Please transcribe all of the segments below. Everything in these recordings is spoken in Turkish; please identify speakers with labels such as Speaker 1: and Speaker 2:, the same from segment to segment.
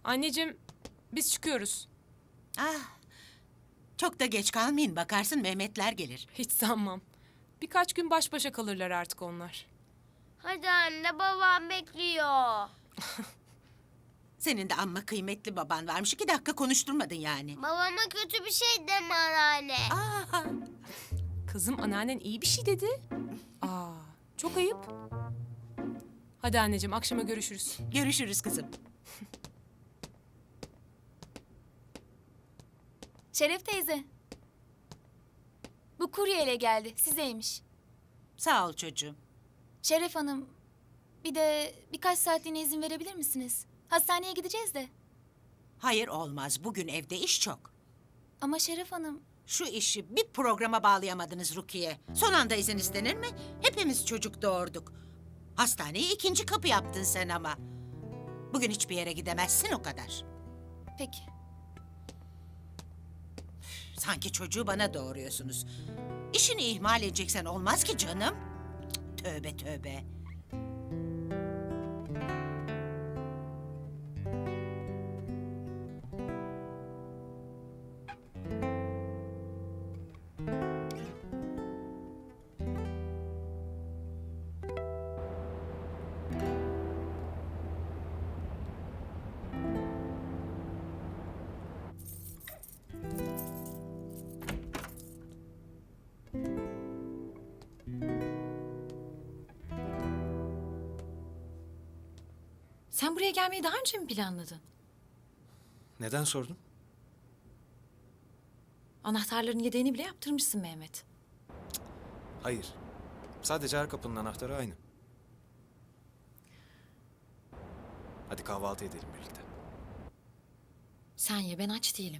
Speaker 1: Anneciğim, biz çıkıyoruz.
Speaker 2: Ah, çok da geç kalmayın. Bakarsın Mehmetler gelir.
Speaker 1: Hiç sanmam. Birkaç gün baş başa kalırlar artık onlar.
Speaker 3: Hadi anne, babam bekliyor.
Speaker 2: Senin de amma kıymetli baban varmış. 2 dakika konuşturmadın yani.
Speaker 3: Babama kötü bir şey deme anneanne.
Speaker 2: Aa,
Speaker 1: Kızım, anneannen iyi bir şey dedi. Aa, çok ayıp. Hadi anneciğim, akşama görüşürüz.
Speaker 2: görüşürüz kızım.
Speaker 4: Şeref teyze. Bu kuryeyle geldi. Sizeymiş.
Speaker 2: Sağ ol çocuğum.
Speaker 4: Şeref Hanım, bir de birkaç saatliğine izin verebilir misiniz? Hastaneye gideceğiz de.
Speaker 2: Hayır olmaz. Bugün evde iş çok.
Speaker 4: Ama Şeref Hanım,
Speaker 2: Şu işi bir programa bağlayamadınız Rukiye. Son anda izin istenir mi? Hepimiz çocuk doğurduk. Hastaneyi 2. kapı yaptın sen ama. Bugün hiçbir yere gidemezsin o kadar.
Speaker 4: peki.
Speaker 2: Sanki çocuğu bana doğuruyorsunuz. İşini ihmal edeceksen olmaz ki canım. Cık, tövbe tövbe.
Speaker 5: Sen buraya gelmeyi daha önce mi planladın?
Speaker 6: Neden sordun?
Speaker 5: Anahtarların yedeğini bile yaptırmışsın Mehmet.
Speaker 6: Hayır. Sadece her kapının anahtarı aynı. Hadi kahvaltı edelim birlikte.
Speaker 5: Sen ye, ben aç değilim.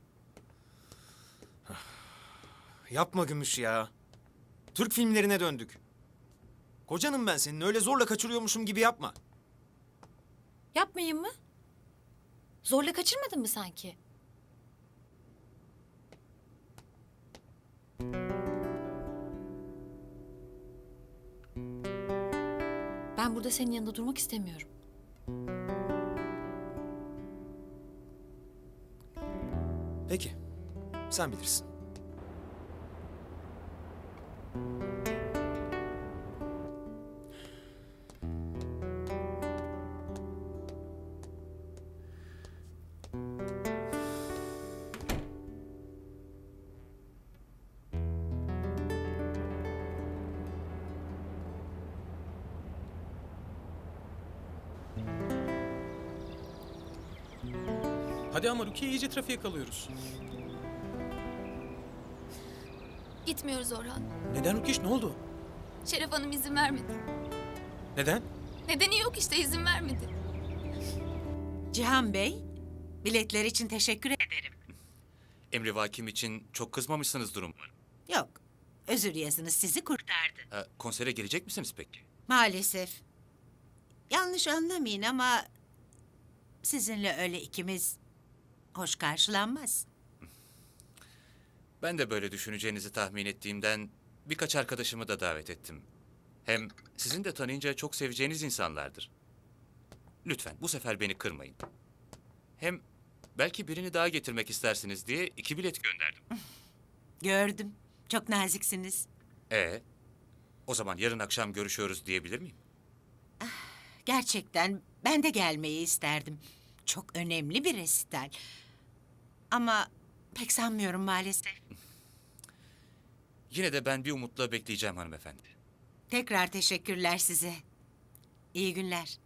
Speaker 6: Yapma Gümüş ya. Türk filmlerine döndük. Kocanım ben senin, öyle zorla kaçırıyormuşum gibi yapma.
Speaker 5: Yapmayayım mı? Zorla kaçırmadın mı sanki? Ben burada senin yanında durmak istemiyorum.
Speaker 6: Peki, sen bilirsin.
Speaker 7: Hadi ama Rukiye, iyice trafiğe kalıyoruz.
Speaker 4: Gitmiyoruz Orhan.
Speaker 7: Neden Rukiye, ne oldu?
Speaker 4: Şeref Hanım izin vermedi.
Speaker 7: Neden?
Speaker 4: Nedeni yok işte, izin vermedi.
Speaker 2: Cihan Bey, biletler için teşekkür ederim.
Speaker 8: Emrivakim için çok kızmamışsınızdır umarım.
Speaker 2: Yok, özür yazınız sizi kurtardı.
Speaker 8: Konsere gelecek misiniz peki?
Speaker 2: Maalesef. Yanlış anlamayın ama sizinle öyle ikimiz hoş karşılanmaz.
Speaker 8: Ben de böyle düşüneceğinizi tahmin ettiğimden birkaç arkadaşımı da davet ettim. Hem sizin de tanıyınca çok seveceğiniz insanlardır. Lütfen bu sefer beni kırmayın. Hem belki birini daha getirmek istersiniz diye 2 bilet gönderdim.
Speaker 2: Gördüm, çok naziksiniz.
Speaker 8: O zaman yarın akşam görüşüyoruz diyebilir miyim?
Speaker 2: Gerçekten ben de gelmeyi isterdim. Çok önemli bir resital. Ama pek sanmıyorum maalesef.
Speaker 8: Yine de ben bir umutla bekleyeceğim hanımefendi.
Speaker 2: Tekrar teşekkürler size. İyi günler.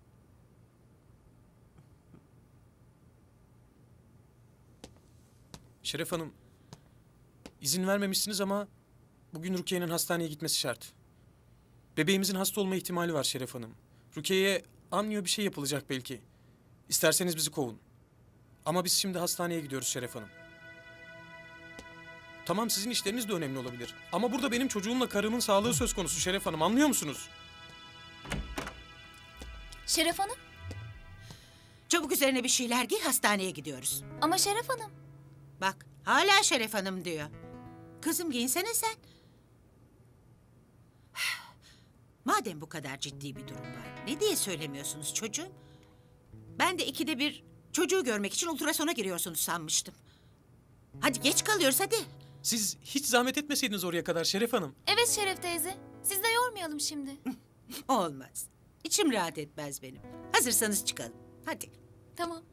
Speaker 7: Şeref Hanım, izin vermemişsiniz ama bugün Rukiye'nin hastaneye gitmesi şart. Bebeğimizin hasta olma ihtimali var Şeref Hanım. Rukiye'ye amniyo bir şey yapılacak belki. İsterseniz bizi kovun. Ama biz şimdi hastaneye gidiyoruz Şeref Hanım. Tamam, sizin işleriniz de önemli olabilir. Ama burada benim çocuğumla karımın sağlığı söz konusu Şeref Hanım, anlıyor musunuz?
Speaker 4: Şeref Hanım?
Speaker 2: Çabuk üzerine bir şeyler giy, hastaneye gidiyoruz.
Speaker 4: Ama Şeref Hanım.
Speaker 2: Bak, hala Şeref Hanım diyor. Kızım giyinsene sen. Madem bu kadar ciddi bir durum var, ne diye söylemiyorsunuz çocuğum? Ben de 2'de 1 Çocuğu görmek için ultrasona giriyorsunuz sanmıştım. Hadi geç kalıyoruz hadi.
Speaker 7: Siz hiç zahmet etmeseydiniz oraya kadar Şeref Hanım.
Speaker 4: Evet Şeref teyze. Siz de yormayalım şimdi.
Speaker 2: Olmaz. İçim rahat etmez benim. Hazırsanız çıkalım. Hadi.
Speaker 4: Tamam.